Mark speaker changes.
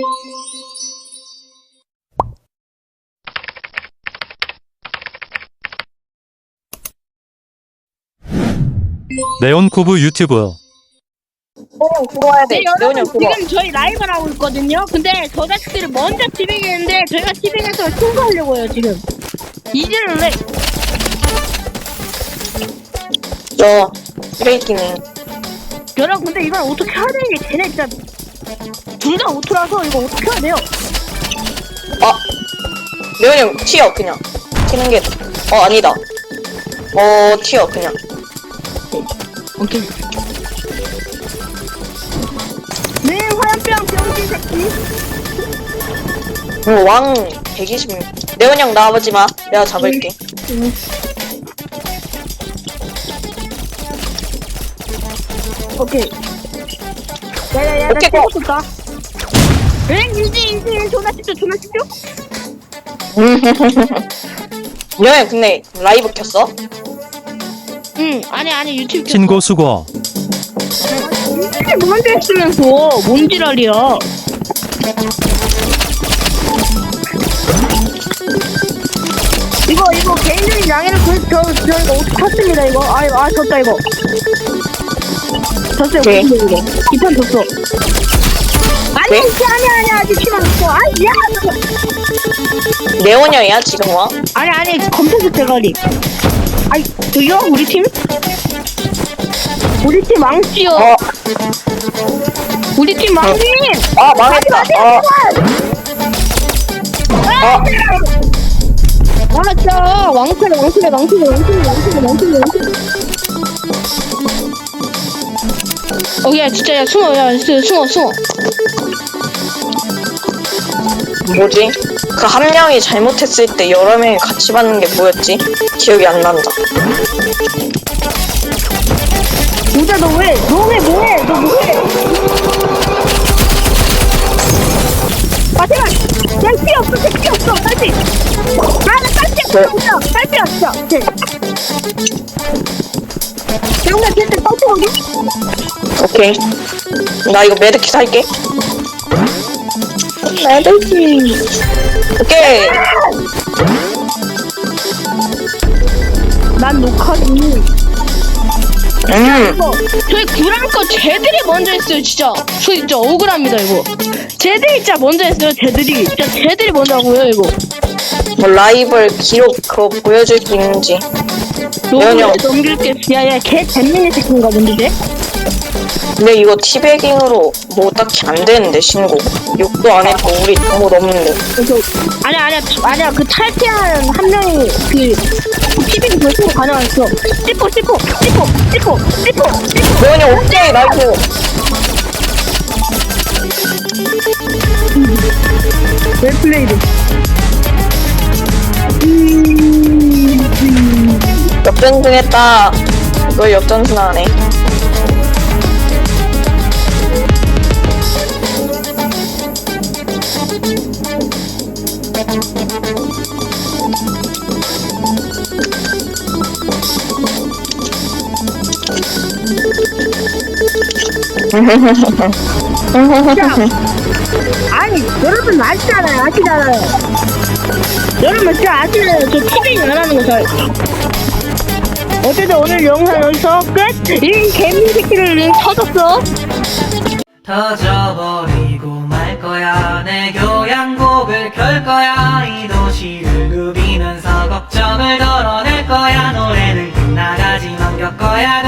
Speaker 1: 네온쿠브 유튜브.
Speaker 2: 들어와야 돼.
Speaker 3: 네, 여러분 지금 저희 라이브를 하고 있거든요. 근데 저 자식들이 먼저 티빙했는데 저희가 티빙해서 통과하려고요 지금. 이제는 왜?
Speaker 2: 저 쓰레기네.
Speaker 3: 여러분 근데 이걸 어떻게 해야 되는 게 쟤네 진짜 둘 다 오토라서 이거 어떻게 해야 돼요?
Speaker 2: 레온이 형 튀어 그냥. 튀는 게. 아니다. 튀어 그냥.
Speaker 3: 오케이. 네 화염병 병신 새끼.
Speaker 2: 왕 120. 레온이 형 나와보지 마. 내가 잡을게.
Speaker 3: 오케이. 야야야 나
Speaker 2: 오케이,
Speaker 3: 찍었다. 응 인지 전화 찍죠.
Speaker 2: 레온이 형 근데 라이브 켰어?
Speaker 3: 응 아니 유튜브.
Speaker 1: 신고 수고.
Speaker 3: 이게 뭔데 했으면서 뭔 지랄이야. 이거 개인적인 양해를 저희가 어떻게 탔습니다 이거. 졌다 이거. 졌어요.
Speaker 2: 네.
Speaker 3: 이거. 이판 졌어. 아니
Speaker 2: 네?
Speaker 3: 아니야 아직 팀 안 졌어. 야.
Speaker 2: 레온이 형이야 지금 와?
Speaker 3: 아니 검색어 대가리. 저기요 우리 팀 망치요. 우리 팀 망치.
Speaker 2: 망했다.
Speaker 3: 맞죠. 왕치래. 야 진짜 야 숨어.
Speaker 2: 뭐지? 그 한 명이 잘못했을 때 여러 명이 같이 받는 게 뭐였지? 기억이 안 난다.
Speaker 3: 진짜 너 뭐해? 제발! 피 없어, 딸피! 나 딸피 없어! 오케이. 영나 걔한테 딸피 오게?
Speaker 2: 오케이. 나 이거 메드킷 살게. 메드킷. 오케이.
Speaker 3: 난 녹화지. 저희 구랑거 쟤들이 먼저 했어요, 진짜. 저 진짜 억울합니다, 이거. 쟤들이 진짜 먼저 했어요, 쟤들이 먼저 하고요, 이거.
Speaker 2: 뭐 라이벌 기록 그거 보여줄 수 있는지. 레온이 형.
Speaker 3: 넘길게. 야, 걔 잼민이 새끼인가 본데, 쟤?
Speaker 2: 근데 이거 티베깅으로 뭐 딱히 안 되는데 신고. 욕도 안 했고 우리 뭐 없는데.
Speaker 3: 그래서 아니야 그 탈퇴한 한 명이 그 티빙 결승으로 가능했어. 찌뽀
Speaker 2: 레온이 형 오케이 나이스.
Speaker 3: 웰플레이드.
Speaker 2: 역전승했다. 너 역전승하네.
Speaker 3: 아니 여러분 아시잖아요. 여러분 진짜 아시잖아요. 저 티빙 안 하는 거 잘. 어쨌든 오늘 영상 여기서 끝. 이 개미 새끼를 터졌어.
Speaker 4: 터져버리고 말 거야. 내 교양곡을 켤 거야. 이 도시를 누비면서 걱정을 덜어낼 거야. 노래는 끝나가지만 겪어야